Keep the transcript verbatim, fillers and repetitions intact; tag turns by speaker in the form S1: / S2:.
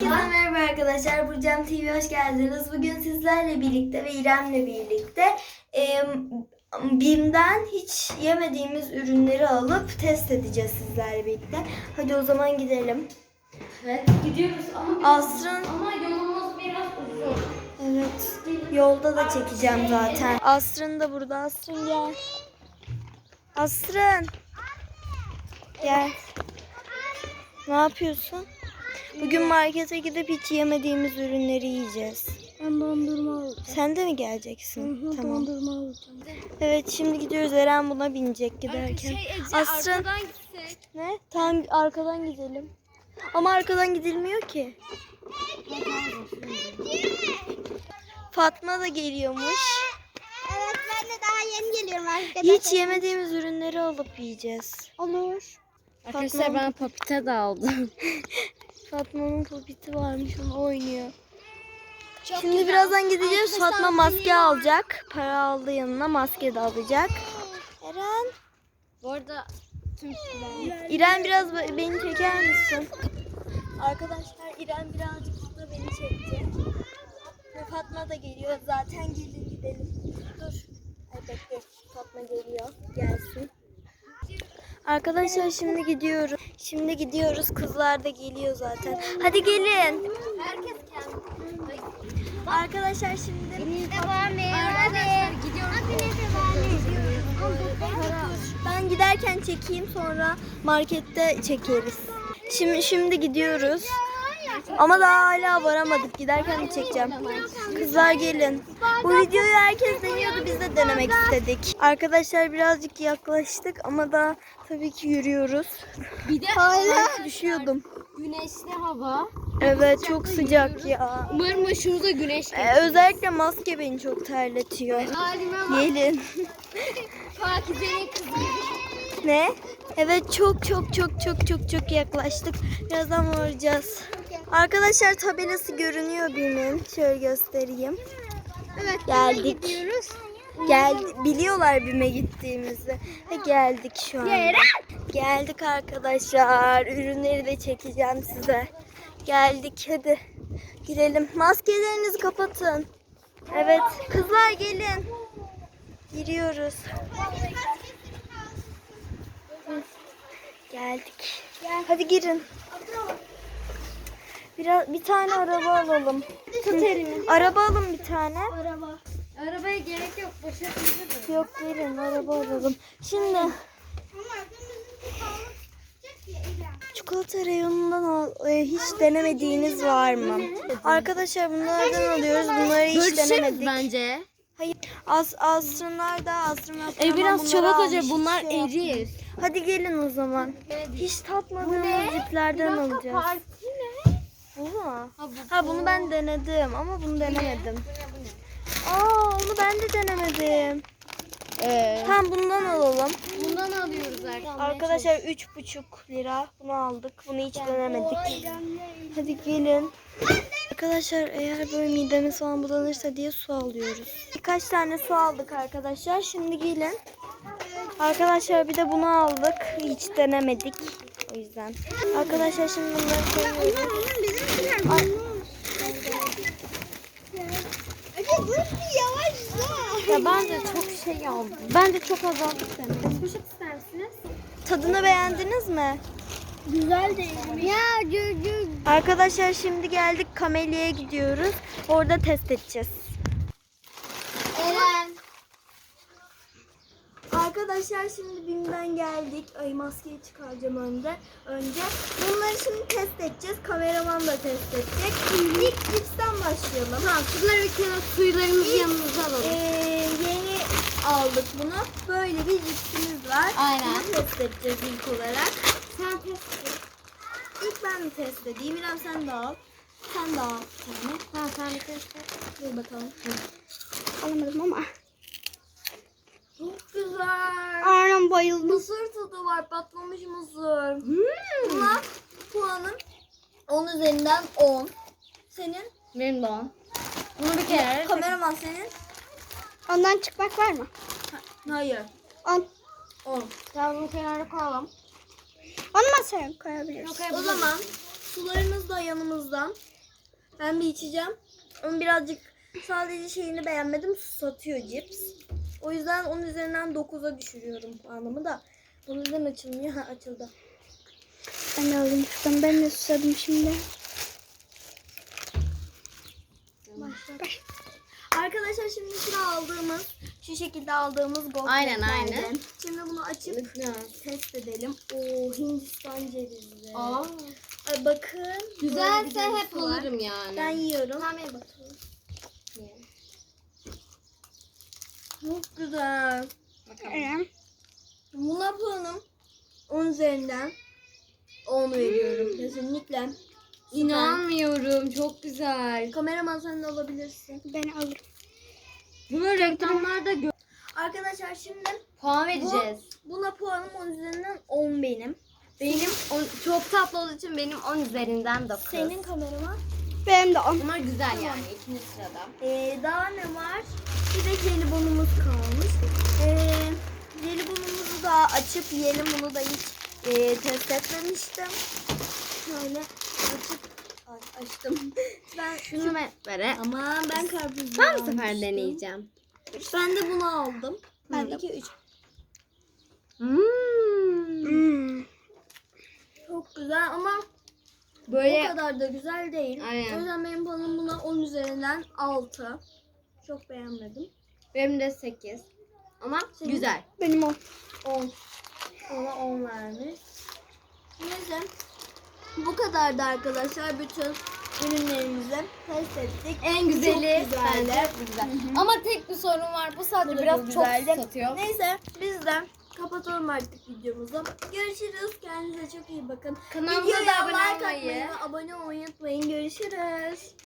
S1: Herkese merhaba arkadaşlar. Burcam T V'ye hoş geldiniz. Bugün sizlerle birlikte ve İrem'le birlikte e, BİM'den hiç yemediğimiz ürünleri alıp test edeceğiz sizlerle birlikte. Hadi o zaman gidelim.
S2: Evet, gidiyoruz ama
S1: Asrın,
S2: ama yolumuz biraz uzun.
S1: evet, yolda da çekeceğim zaten. Asrın da burada. Asrın gel. Asrın. Gel. Ne yapıyorsun? Bugün markete gidip hiç yemediğimiz ürünleri yiyeceğiz.
S3: Ben dondurma alacağım.
S1: Sen de mi geleceksin?
S3: Hı hı,
S1: Tamam.
S3: dondurma alacağım.
S1: Evet, şimdi gidiyoruz. Eren buna binecek giderken.
S2: Şey Ece,
S1: Asrın.
S2: arkadan gitsek.
S1: Ne? Tamam, arkadan gidelim. Ama arkadan gidilmiyor ki. Fatma da geliyormuş.
S3: Evet, ben de daha yeni geliyorum arkadaşlar.
S1: Hiç yemediğimiz ürünleri alıp yiyeceğiz.
S3: Olur.
S2: Arkadaşlar
S1: Fatma-
S2: ben papita da aldım.
S1: Fatma'nın popiti varmış, onu oynuyor.
S3: Çok
S1: Şimdi
S3: güzel.
S1: birazdan gideceğiz.
S3: Arkadaşlar,
S1: Fatma maske alacak. Para aldı yanına, maske de alacak. Eren.
S2: Bu arada tüm
S1: İrem, biraz be- beni çeker misin? Arkadaşlar, İrem birazcık da beni çekecek. Ve Fatma da geliyor. Zaten gelin gidelim. Dur. Ay bekle. Fatma geliyor. Gelsin. Arkadaşlar, şimdi gidiyoruz. Şimdi gidiyoruz. Kızlar da geliyor zaten. Hadi gelin.
S2: herkes kendi.
S1: Arkadaşlar, şimdi
S2: Arkadaşlar gidiyoruz.
S1: ben giderken çekeyim, sonra markette çekeriz. Şimdi şimdi gidiyoruz. Ama daha hala varamadık. Giderken de çekeceğim. Kızlar gelin. Bu videoyu herkes deniyordu. Biz de denemek istedik. Arkadaşlar, birazcık yaklaştık ama daha tabii ki yürüyoruz.
S2: Bir de
S1: Hala düşüyordum.
S2: güneşli hava.
S1: Evet, çok sıcak ya.
S2: Umarım başımıza güneş
S1: Ee, özellikle maske beni çok terletiyor.
S2: Halime bak.
S1: Gelin.
S2: Pakize'nin kızı gibi.
S1: Ne? Evet, çok çok çok çok çok çok yaklaştık. Birazdan varacağız. Arkadaşlar, tabelası görünüyor BİM'in. Şöyle göstereyim.
S3: Evet,
S1: Geldik.
S3: gidiyoruz.
S1: Gel, biliyorlar BİM'e gittiğimizi. Ve geldik şu an. Geldik arkadaşlar. Ürünleri de çekeceğim size. Geldik, hadi girelim. Maskelerinizi kapatın. Evet, kızlar gelin. Giriyoruz. Geldik. Hadi girin. Biraz bir tane araba alalım.
S3: Tut elimi.
S1: Araba alın bir tane.
S3: Araba.
S2: Arabaya gerek yok. Başarılı.
S1: Yok, gelin araba alalım. Şimdi çikolata reyonundan al, e, hiç denemediğiniz var mı? Arkadaşlar, bunlardan alıyoruz. Bunları hiç denemedik.
S2: bence.
S1: Hayır. As asrınlar da asrınlar.
S2: E biraz çabuk hoca, bunlar erir.
S1: Hadi gelin o zaman. Hiç tatmadığımız ciplerden alacağız. Bu mu? Ha, bunu ben denedim ama bunu denemedim. Aa, onu ben de denemedim.
S2: Ee,
S1: Tamam, bundan alalım.
S2: bundan alıyoruz arkadaşlar.
S1: Arkadaşlar, üç buçuk lira. Bunu aldık. Bunu hiç denemedik. Hadi gelin. Arkadaşlar, eğer böyle midemiz falan bulanırsa diye su alıyoruz. Birkaç tane su aldık arkadaşlar. Şimdi gelin. Arkadaşlar, bir de bunu aldık. Hiç denemedik. O yüzden. Arkadaşlar, şimdi bunları koyuyoruz. Ay.
S2: Ya ben de çok şey aldım. Ben de çok azaltıp denedim. Poşet ister misiniz?
S1: Tadını beğendiniz mi?
S3: Güzel değil mi? Ya cücük.
S1: Arkadaşlar, şimdi geldik, Kamelya'ya gidiyoruz. Orada test edeceğiz.
S3: Eren.
S1: Arkadaşlar, şimdi BİM'den geldik. Ay, maskeyi çıkaracağım önce. Önce bunları şimdi test edeceğiz. Kameraman da test edecek. İlk cipsten başlayalım.
S2: Ha, şunları bir kenara, suylarımızı yanımıza alalım.
S1: Ee, yeni aldık bunu. Böyle bir cipsimiz var.
S2: Aynen.
S1: Bunu test edeceğiz ilk olarak. Sen test et. İlk ben mi test edeyim? İrem, sen de al. Sen de al. Yani.
S2: Ha, sen bir test et.
S1: Dur bakalım.
S3: Alamadım ama.
S1: Çok güzel.
S3: Anam bayıldım.
S1: Mısır tadı var. Patlamış mısır.
S2: Hmm.
S1: Buna puanım on üzerinden on. Senin?
S2: Benim de on. Bunu bir kere.
S1: Kameraman senin?
S3: Ondan çıkmak var mı?
S1: Hayır.
S3: On.
S1: on.
S2: Tamam, bunu kenara koyalım.
S3: Onu masaya koyabiliriz.
S1: O zaman sularımız da yanımızda. Ben bir içeceğim. Onu birazcık sadece şeyini beğenmedim. Satıyor cips. O yüzden onun üzerinden dokuza düşürüyorum puanımı da. Bunun neden açılmıyor? Ha, açıldı.
S3: Ben de alayım şuradan. Ben de susadım şimdi.
S1: Başla. Arkadaşlar şimdi sıra aldığımız, şu şekilde aldığımız gofretlerden.
S2: Aynen, aynen.
S1: Şimdi bunu açıp test edelim. Oo, Hindistan cevizli.
S2: Aa,
S1: Ay, bakın. böyle bir
S2: güzelse
S1: ceviz
S2: hep
S1: var.
S2: alırım yani.
S1: Ben yiyorum.
S2: Tamam bakalım.
S1: Çok güzel.
S2: Bakalım.
S3: Evet.
S1: Buna puanım on üzerinden on veriyorum. Kesinlikle. Süper.
S2: İnanmıyorum, çok güzel.
S1: Kameraman sen de alabilirsin.
S3: Ben alırım.
S2: Bunu reklamlarda gö-
S1: Arkadaşlar şimdi
S2: puan vereceğiz.
S1: buna puanım on üzerinden on benim.
S2: Benim on, çok tatlı olduğu için benim on üzerinden dokuz.
S1: Senin kameraman.
S3: Benim de on.
S2: Ama güzel yani ikinci sırada.
S1: Ee, daha ne var? Bir de jelibonumuz kalmış. Ee, jelibonumuzu da açıp yiyelim. Bunu da hiç e, test etmemiştim. Şöyle açıp Ay, açtım. Ben
S2: Şunu ver. ver.
S1: Aman ben karpuz.
S2: Ben bu sefer deneyeceğim.
S1: Ben de bunu aldım.
S3: Ben
S1: Ben
S3: de.
S1: iki üç.
S2: Hmm.
S3: Hmm.
S1: Çok güzel ama o
S2: Böyle
S1: kadar da güzel değil.
S2: Aynen.
S1: O yüzden benim puanım buna on üzerinden altı. Çok beğenmedim.
S2: benim de sekiz. Ama
S1: Senin?
S2: güzel.
S3: Benim on.
S1: on. Ona on vermiş. Neyse. Bu kadardı arkadaşlar. Bütün ürünlerimizi test ettik.
S2: En güzeli
S1: Çok güzeldi.
S2: bence bu güzel. Ama tek bir sorun var. Bu sadece
S1: Bu da
S2: biraz
S1: çok
S2: çok
S1: güzeldi.
S2: satıyor.
S1: Neyse biz de kapatalım artık videomuzu. Görüşürüz. Kendinize çok iyi bakın.
S2: Kanalımıza
S1: Videoya
S2: da abone
S1: like
S2: olmayı.
S1: atmayı ve abone olmayı unutmayın. Görüşürüz.